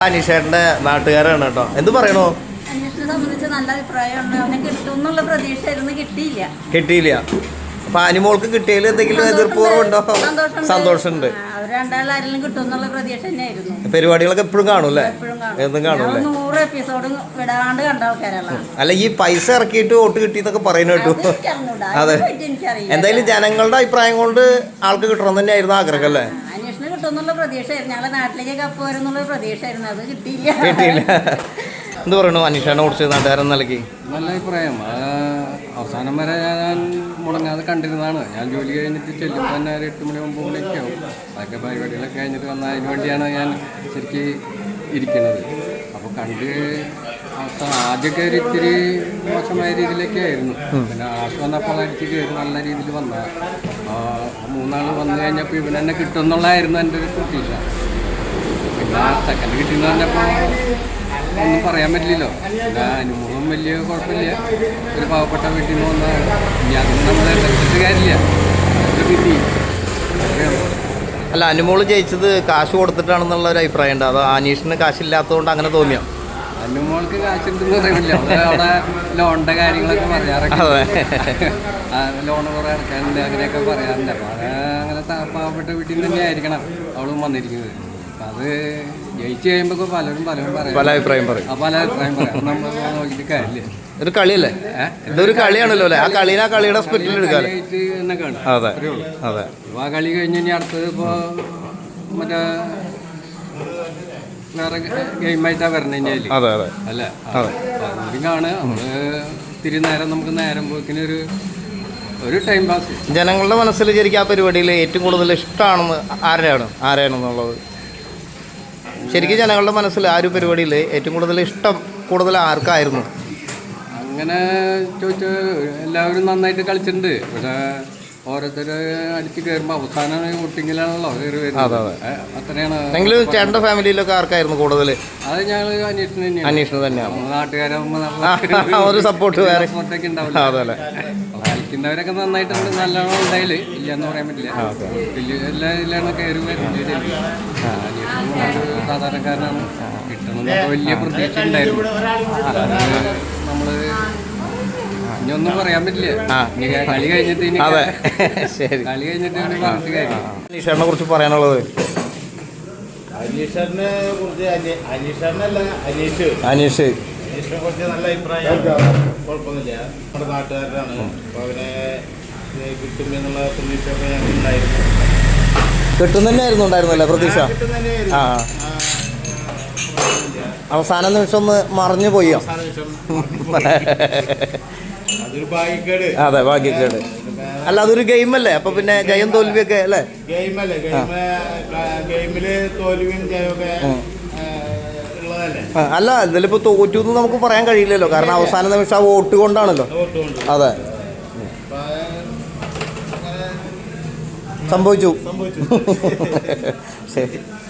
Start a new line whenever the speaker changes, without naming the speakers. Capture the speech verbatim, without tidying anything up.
അനീഷേട്ടന്റെ നാട്ടുകാരാണ് കേട്ടോ. എന്ത് പറയണോ?
അന്വേഷണത്തെ സംബന്ധിച്ച് നല്ല അഭിപ്രായമുണ്ട്. അവനെ കിട്ടും എന്നുള്ള പ്രതീക്ഷയായിരുന്നു, കിട്ടിയില്ല
കിട്ടിയില്ല. അപ്പൊ അനിമോൾക്ക് കിട്ടിയതിൽ എന്തെങ്കിലും എതിർപ്പൂർവ്വമുണ്ടോ? സന്തോഷമുണ്ട്.
രണ്ടാളാരെങ്കിലും കിട്ടും എന്നുള്ള പ്രതീക്ഷ തന്നെയായിരുന്നു.
പരിപാടികളൊക്കെ എപ്പോഴും കാണൂല്ലേ? എന്നും കാണൂല്ലേ?
നൂറ് എപ്പിസോഡ് വിടാണ്ട് കണ്ട ആൾക്കാരാണ്.
അല്ല, ഈ പൈസ ഇറക്കിയിട്ട് വോട്ട് കിട്ടിയെന്നൊക്കെ പറയുന്ന കേട്ടു. അതെ, എന്തായാലും ജനങ്ങളുടെ അഭിപ്രായം കൊണ്ട് ആൾക്ക് കിട്ടണം തന്നെയായിരുന്നു ആഗ്രഹം അല്ലേ?
അന്വേഷണം കിട്ടുമെന്നുള്ള പ്രതീക്ഷയായിരുന്നു. ഞങ്ങളെ നാട്ടിലേക്ക് കപ്പ് വരുന്നുള്ള പ്രതീക്ഷയായിരുന്നു. അത് കിട്ടിയില്ല.
കിട്ടിയില്ല. എന്ത് പറയണു അനീഷേനെ കുറിച്ച് നാട്ടുകാരൻ നിലയ്ക്ക്?
നല്ല അഭിപ്രായം. അവസാനം വരെ ഞാൻ മുടങ്ങാതെ കണ്ടിരുന്നതാണ്. ഞാൻ ജോലി കഴിഞ്ഞിട്ട് ചെല്ലുമ്പോൾ തന്നെ ഒരു എട്ട് മണി ഒമ്പത് മണിയൊക്കെ ആവും. അതൊക്കെ പരിപാടികളൊക്കെ കഴിഞ്ഞിട്ട് വന്നാൽ അതിന് വേണ്ടിയാണ് ഞാൻ ശരിക്കും ഇരിക്കുന്നത്. അപ്പോൾ കണ്ട് അവസാനം ആദ്യമൊക്കെ ഒരു ഇത്തിരി മോശമായ രീതിയിലൊക്കെ ആയിരുന്നു. പിന്നെ ആശു വന്നപ്പോൾ എനിക്ക് കയറി നല്ല രീതിയിൽ വന്ന മൂന്നാൾ വന്നു കഴിഞ്ഞപ്പോൾ ഇവൻ തന്നെ കിട്ടും എന്നുള്ളതായിരുന്നു എൻ്റെ ഒരു പ്രതീക്ഷ. പിന്നെ സെക്കൻഡ് കിട്ടിയെന്ന് പറഞ്ഞപ്പോൾ ഒന്നും പറയാൻ പറ്റില്ലല്ലോ. പിന്നെ അനുഭവം വലിയ കുഴപ്പമില്ല. ഒരു പാവപ്പെട്ട വീട്ടിൽ നിന്ന് വന്നാൽ ഇനി അതൊന്നും നമ്മൾ വെച്ചിട്ട് കാര്യമില്ല. അത് കിട്ടി.
അല്ല, അനുമോള് ജയിച്ചത് കാശ് കൊടുത്തിട്ടാണെന്നുള്ള ഒരു അഭിപ്രായം ഉണ്ട്. അതോ അനീഷിന് കാശില്ലാത്തതുകൊണ്ട് അങ്ങനെ തോന്നിയോ?
അനുമോൾക്ക് കാശുണ്ടെന്ന് പറയുന്നില്ല. അവിടെ ലോണിൻ്റെ കാര്യങ്ങളൊക്കെ പറയാറൊക്കെ, ലോണ് കുറേ അടക്കാനുണ്ട് അങ്ങനെയൊക്കെ പറയാറുണ്ട്. അപ്പോൾ അത് അങ്ങനെ പാവപ്പെട്ട വീട്ടിൽ നിന്ന് തന്നെ ആയിരിക്കണം അവളും വന്നിരിക്കുന്നത്. അപ്പം അത് ജയിച്ചു കഴിയുമ്പോൾ പലരും പലരും പറയും,
പല അഭിപ്രായം പറയും.
ആ പല അഭിപ്രായം പറയാം. നമ്മൾ നോക്കിയിട്ട് കാര്യമില്ല.
ഒരു കളിയല്ലേ? ഇതൊരു കളിയാണല്ലോ അല്ലേ? ആ കളീനെ ആ കളിയുടെ സ്പിരിറ്റിൽ എടുക്കാം
തന്നെ കാണും.
അതെ അതെ.
അപ്പോൾ ആ കളി കഴിഞ്ഞ് ഇനി അടുത്തത് ഇപ്പോൾ മറ്റേ വേറെ ഗെയിമായിട്ടാണ് വരണതിൻ്റെ അതിൽ.
അതെ അതെ
അല്ലേ? അതും കാണുക. നമ്മൾ ഇത്തിരി നേരം നമുക്ക് നേരം പോക്കിന് ഒരു ഒരു ടൈം പാസ്.
ജനങ്ങളുടെ മനസ്സിൽ ശരിക്കും ആ പരിപാടിയിൽ ഏറ്റവും കൂടുതൽ ഇഷ്ടമാണെന്ന് ആരെയാണ് ആരെയാണെന്നുള്ളത്? ശരിക്കും ജനങ്ങളുടെ മനസ്സിൽ ആ ഒരു പരിപാടിയിൽ ഏറ്റവും കൂടുതൽ ഇഷ്ടം കൂടുതൽ ആർക്കായിരുന്നു?
അങ്ങനെ ചോദിച്ചാൽ എല്ലാവരും നന്നായിട്ട് കളിച്ചിട്ടുണ്ട്. പക്ഷേ ഓരോരുത്തർ അടിച്ച് കയറുമ്പോൾ അവസാനം വോട്ടിങ്ങിലാണല്ലോ കയറി വരുന്നത്. അത്രയാണ്.
എങ്കിലും ചേട്ടൻ്റെ ഫാമിലിയിലൊക്കെ ആർക്കായിരുന്നു കൂടുതൽ?
അത് ഞങ്ങൾ അന്വേഷണം തന്നെയാണ്.
അന്വേഷണം തന്നെയാണ്.
നാട്ടുകാരാകുമ്പോൾ
ഒരു സപ്പോർട്ട് വേറെ
സപ്പോർട്ടൊക്കെ ഉണ്ടാവില്ല. അതല്ലേ? കളിക്കുന്നവരൊക്കെ നന്നായിട്ടുണ്ട്. നല്ലോണം ഉണ്ടായില്ല ഇല്ല എന്ന് പറയാൻ പറ്റില്ല. എല്ലാ ജില്ലയാണ് കയറി വരുന്നത്. അന്വേഷണം സാധാരണക്കാരനാണ്. കിട്ടണമെന്നൊക്കെ വലിയ പ്രതീക്ഷ ഉണ്ടായിരുന്നു. നമ്മൾ ഇനി ഒന്നും പറയാൻ പറ്റില്ല. കളി കഴിഞ്ഞിട്ട്
അതെ ശരി,
കളി കഴിഞ്ഞിട്ട് പറഞ്ഞിട്ട് കാര്യം.
അനീഷേറിനെ കുറിച്ച് പറയാനുള്ളത്?
അനീഷറിനെ കുറിച്ച് അനീഷറിനല്ല അനീഷ്
അനീഷ്
അനീഷിനെ കുറിച്ച് നല്ല അഭിപ്രായം. കുഴപ്പമൊന്നുമില്ല. നമ്മുടെ നാട്ടുകാരനാണ്. അപ്പോൾ അവനെ കിട്ടും എന്നുള്ള പ്രതീക്ഷയൊക്കെ ഞങ്ങൾക്ക് ഉണ്ടായിരുന്നു.
കിട്ടും തന്നെയായിരുന്നു ഉണ്ടായിരുന്നല്ലേ പ്രതീക്ഷ? ആ, അവസാന നിമിഷം ഒന്ന് മറിഞ്ഞു പോയോ?
അതൊരു ഭാഗ്യക്കേട്.
അതെ, ഭാഗ്യക്കേട്. അല്ല, അതൊരു ഗെയിമല്ലേ? അപ്പൊ പിന്നെ ജയം തോൽവിയൊക്കെ അല്ലേ?
ഗെയിമല്ലേ? ഗെയിം ഗെയിമില് തോൽവിയും ജയമൊക്കെ ഉള്ളതല്ലേ?
അല്ല, ഇതിലിപ്പോ തോറ്റു എന്ന് നമുക്ക് പറയാൻ കഴിയില്ലല്ലോ. കാരണം അവസാന നിമിഷം ആ വോട്ട് കൊണ്ടാണല്ലോ. അതെ, സംഭവിച്ചു.
സംഭവിച്ചു.
ശരി.